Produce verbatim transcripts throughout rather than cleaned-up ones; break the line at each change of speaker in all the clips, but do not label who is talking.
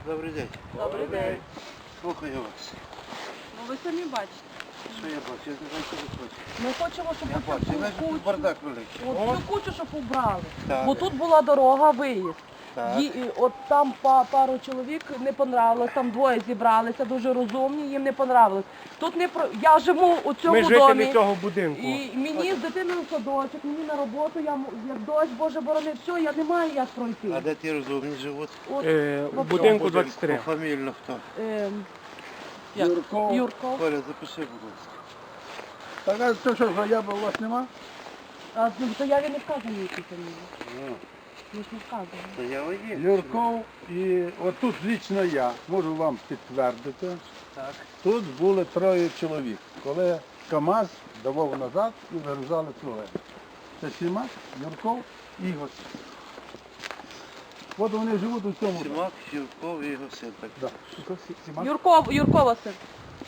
Добрий день.
Добрий день.
Слухаю вас.
Ну ви самі бачите.
Що я бачу? Я не знаю, що ви хочете.
Ми хочемо, щоб
Я бачу, я
оцю
бачу, тут
кучу,
бардак великий.
от цю кучу, щоб убрали.
Так.
Бо тут була дорога, виїзд.
Так.
Ї- і от там па- пару чоловік не понравилось, там двоє зібралися, дуже розумні, їм не понравилось. Тут не про... Я живу у цьому
Ми жителі
домі.
цього будинку.
І мені з дитиною в садочок, мені на роботу, я м- як дощ, Боже борони, все, я не маю як пройти.
А де ті розумні живуть?
От,
Е,
в
у будинку двадцять три.
Пофамільно хто?
ем, як?
Юрко.
Юрко.
Коля, запиши, будь ласка.
Так, а то що, заяви у вас нема?
А ну, то я не вказані які фамілії.
Ну,
Ми ж не вказані.
заява є.
Юрков і отут лічно я можу вам підтвердити.
Так.
Тут були троє чоловік, коли КАМАЗ давав назад і вигрузали тролейбус. Це Сімак, Юрков і Ігор. От вони живуть у цьому.
Сімак, Юрков і його син. Так.
Да. Сімак.
Юрков, Юркова син.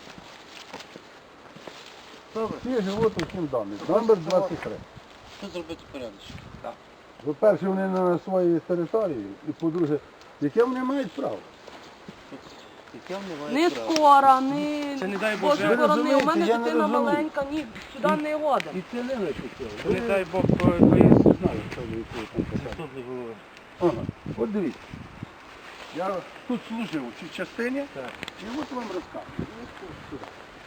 Добре.
Всі живуть у цьому домі. Номер двадцять три.
Що зробити порядочок?
По-перше, вони на своїй території, і по-друге, яке вони мають право?
Яке вони
Не
мають право?
скоро, не...
Це не дай
Боже
Боже.
борони, у
розумієте,
мене
я не
дитина
розумію.
маленька, ні, сюди не годен.
І це не хотіли.
Не дай Бог поїзд.
Знаю, що ви тут казали.
Заступник голови.
Ага. От дивіться. Я тут служив у цій частині,
Так.
і от вам розказую. Сюди.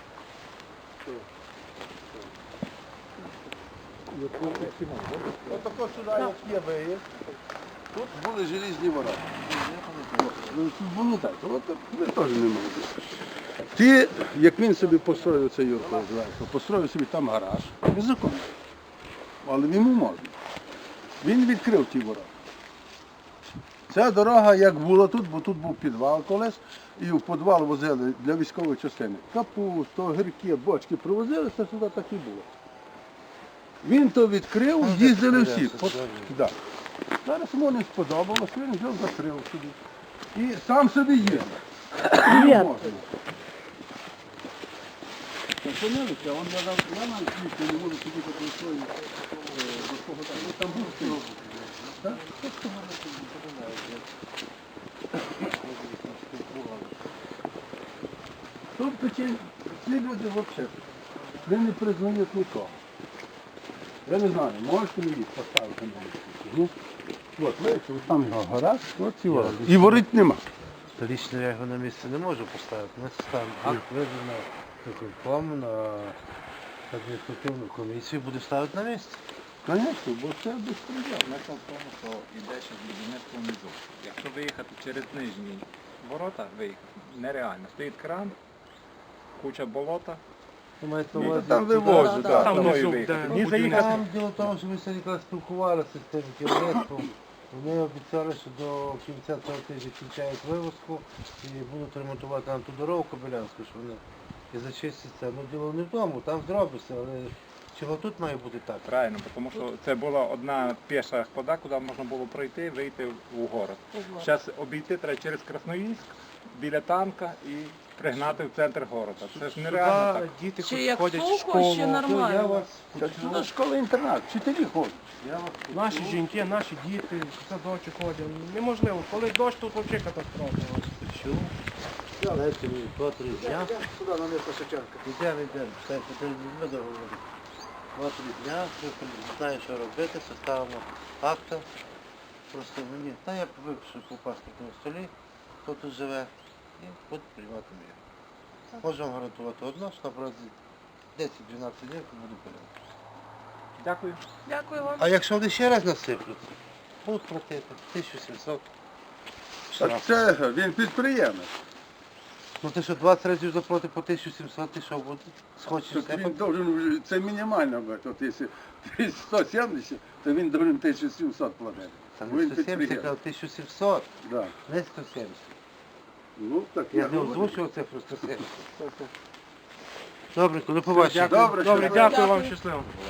Ось тако сюди, як є виїзд, тут були желізні ворота. Ну, тут було так, от ви теж не можете. Ті, як він собі построїв, це Юрко зверху, построїв собі там гараж, незаконно. Але йому можна. Він відкрив ті ворота. Ця дорога як була тут, бо тут був підвал колись, і в підвал возили для військової частини. Капусту, огірки, бочки привозили, це сюди так і було. Він то відкрив,
Ну,
їздили
так,
всі.
так,
От,
так.
да. Зараз йому не сподобалось, він взяв, закрив собі. І сам собі їздив.
Ні.
Можна. Так, понялися, он я дав, я навіть їсти не можу сидіти по свої, до свого там, ну, там був стіл. Так? Тобто ці, ці люди взагалі, вони не признають нікого. Я не знаю, можете мені їх поставити на вулиці? Ні? От, бачите, от там його гараж, от ці ворота. І воріт нема.
То лічно я його на місце не можу поставити. У нас там акт видано виконком на адміністративну комісію, буде ставити на місце.
Звісно, бо це безпреділ.
Смисл в тому, що йде ще будівництво внизу. Якщо виїхати через нижні ворота, виїхати нереально. Стоїть кран, куча болота.
Ви маєте на
Ну,
увазі,
там
туди?
вивозять,
Да,
так.
Там
Там
внизу,
виїхати.
де
Ні,
ні заїхати.
Там діло в тому, що ми сьогодні якраз спілкувалися з тим керівництвом. Вони обіцяли, що до кінця цього тижня кінчають вивозку і будуть ремонтувати нам ту дорогу Кобилянську, що вони і зачистяться. Ну діло не в тому, там зробиться, але чого тут має бути так?
Правильно, бо тому що це була одна піша хода, куди можна було пройти, вийти в город. Зараз обійти треба через Красноїльськ, біля танка і пригнати в центр города. Це ж нереально так.
Сюди діти
Чи
хоч
як
ходять в
сухо,
школу.
чи
То
нормально?
Я вас
Це сюди школа-інтернат, вчителі ходять.
я вас
Наші жінки, наші діти, в садочок ходять. Неможливо. Коли дощ, тут взагалі катастрофа.
почув. Дайте мені два-три дня.
Сюди на місто Шевченка.
Йдемо, йдемо. Все, потрібно ми договорити. Два-три дня, ми знаю, що робити, составимо акта. Просто мені, та я випишу по паспортному столі, хто тут живе, і буду приймати мир. Можу вам гарантувати одно, що на протязі десять-дванадцять днів буду порядок.
Дякую.
Дякую вам.
А якщо вони ще раз насиплють, будуть платити тисячу сімсот.
Так
штраф.
це він підприємець.
Ну ти що, двадцять разів заплати по тисячу сімсот, ти що буде? Схочеш
Так
тебе?
він должен, це мінімально, бо от якщо сто сімдесят, то він должен тисячу сімсот платити.
Та
Бо
не
він
сто сімдесят, а
підприємець.
тисячу сімсот,
Да.
не сто сімдесят.
Ну, так
Я
я
не
говорю.
озвучував цифру сто сімдесят. Добре, коли побачимо.
Дякую.
Добре,
Добре,
що-
дякую вам,
Дякую.
щасливо.